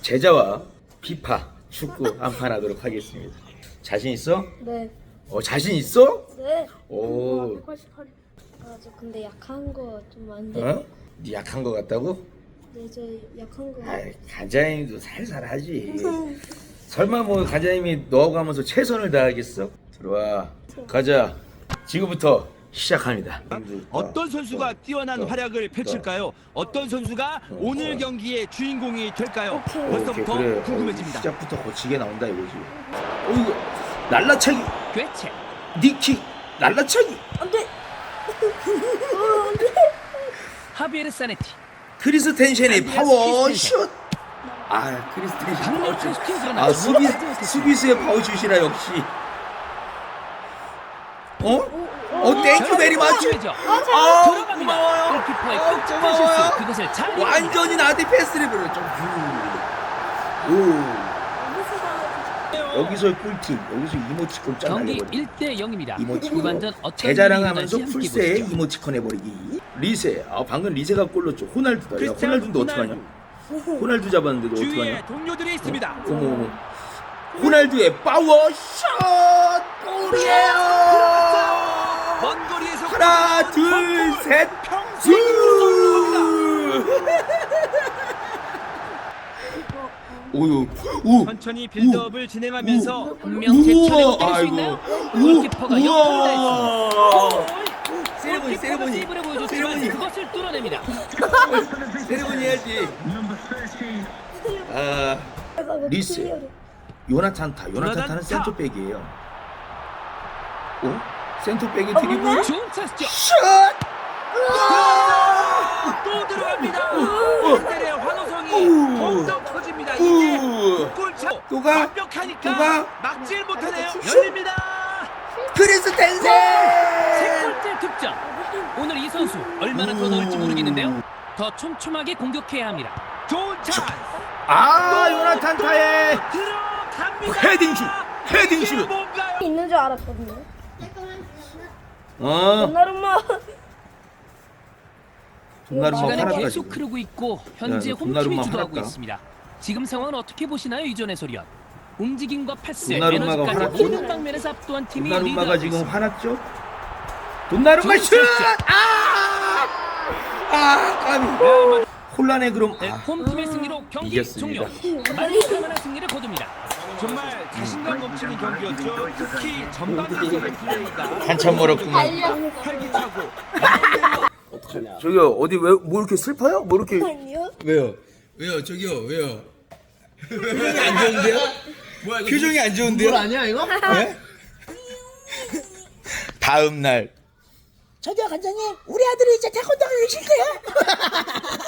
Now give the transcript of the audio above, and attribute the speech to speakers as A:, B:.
A: 제자와 피파 축구 한판 하도록 하겠습니다. 자신 있어?
B: 네.
A: 자신 있어?
B: 네.
A: 오.
B: 188. 아, 저 근데 약한 거 좀 안 돼.
A: 어? 네 약한 거 같다고?
B: 네, 저 약한 거.
A: 아이, 간장님도 살살 하지. 설마 뭐 간장님이 너하고 하면서 최선을 다하겠어? 들어와. 가자. 지금부터 시작합니다.
C: 어떤 선수가 뛰어난 활약을 펼칠까요? 어떤 선수가 오늘 경기의 주인공이 될까요?
B: 오케이.
C: 벌써부터
A: 그래.
C: 궁금해집니다.
A: 시작부터 거치게 나온다 이거지. 이거 날라차기,
C: 괴체,
A: 니킥, 날라차기.
B: 안 돼.
C: 하비에르 사네티,
A: 크리스텐센의 파워
C: 크리스텐센.
A: 슛. 아, 크리스텐센
C: 강력
A: 파워 슛.
C: 슈팅
A: 아,
C: 그러나
A: 수비수의 파워 슛이라 역시. 땡큐 베리 마치.
C: 들어갑니다.
A: 고마워요.
C: 골키퍼의
A: 고마워요.
C: 끔찍한 실수. 그것을 잘 이깁니다.
A: 완전히 나한테 패스를 보내. 좀. 오. 여기서 꿀팁. 여기서 이모티콘 짠
C: 경기
A: 날려버리.
C: 1대 0입니다.
A: 이모티콘.
C: 후반전 어떤
A: 제자랑하면서
C: 일이 일어날지
A: 풀세에
C: 함께 보시죠.
A: 이모티콘 해버리기. 리세. 방금 리세가 골 넣었죠. 호날두다. 야,
C: 크리스티아노
A: 호날두인데 어떡하냐? 호날두 잡았는데 너
C: 주위에
A: 어떡하냐?
C: 동료들이 있습니다.
A: 어머. 호날두의 파워 샷 골이에요.
C: 먼 거리에서
A: 하나, 둘, 셋. 오유. 오.
C: 천천히 빌드업을 진행하면서
A: 분명
C: 제 차례가 때릴 수 있나요? 골키퍼가 역할을 다했습니다.
A: 세레모니,
C: 골키퍼가 세이브를 보여줬지만
A: 세레모니.
C: 그것을 뚫어냅니다.
A: 세레모니 해야지. 리스. 요나탄 타는 센터백이에요. 센터백이 드리블.
C: 좋은 찬스죠.
A: 슛!
C: 또 들어갑니다. 팬들의 환호성이 더욱더 커집니다. 이제 골차
A: 또가?
C: 완벽하니까
A: 또가?
C: 막질 못하네요. 열립니다.
A: 크리스텐센!
C: 세 골째 득점. 오늘 이 선수 얼마나 더 넣을지 모르겠는데요. 더 촘촘하게 공격해야 합니다. 좋은 찬스.
A: 요나탄 타의
C: 들어갑니다.
A: 헤딩 슛.
C: 이게 뭔가요?
B: 있는 줄 알았거든요.
A: 어.
B: 도나루마.
A: 돈나루마
C: 시간은
A: 화났다
C: 계속
A: 지금.
C: 흐르고 있고 현재
A: 야,
C: 홈팀이
A: 돈나루마
C: 주도하고
A: 화났다.
C: 있습니다. 지금 상황은 어떻게 보시나요, 이전의 소련? 움직임과 패스,
A: 돈나루마가
C: 에너지까지
A: 화났죠?
C: 모든 방면에서 압도한 팀이
A: 돈나루마가
C: 리드하고
A: 지금
C: 있습니다.
A: 화났죠? 돈나루마
C: 좋은
A: 슛!
C: 찬스.
A: 까비. 혼란의 그럼.
C: 네, 홈팀의 승리로 경기
A: 이겼습니다.
C: 종료. 만족할 승리를 거둡니다. 정말 자신감 넘치는 경기였죠. 특히 전반기의 플레이가
A: 한참 멀었구만.
C: 활기차고
A: 저기요, 어디 뭐 이렇게 슬퍼요? 뭐 이렇게.
B: 아니요.
A: 왜요? 저기요, 왜요? 표정이 안 좋은데요? 뭐야, 이거 표정이 안 좋은데요? 뭘 아니야, 이거? 네? 다음 날.
D: 저기요 관장님, 우리 아들이 이제 태권도를 쉴 거예요?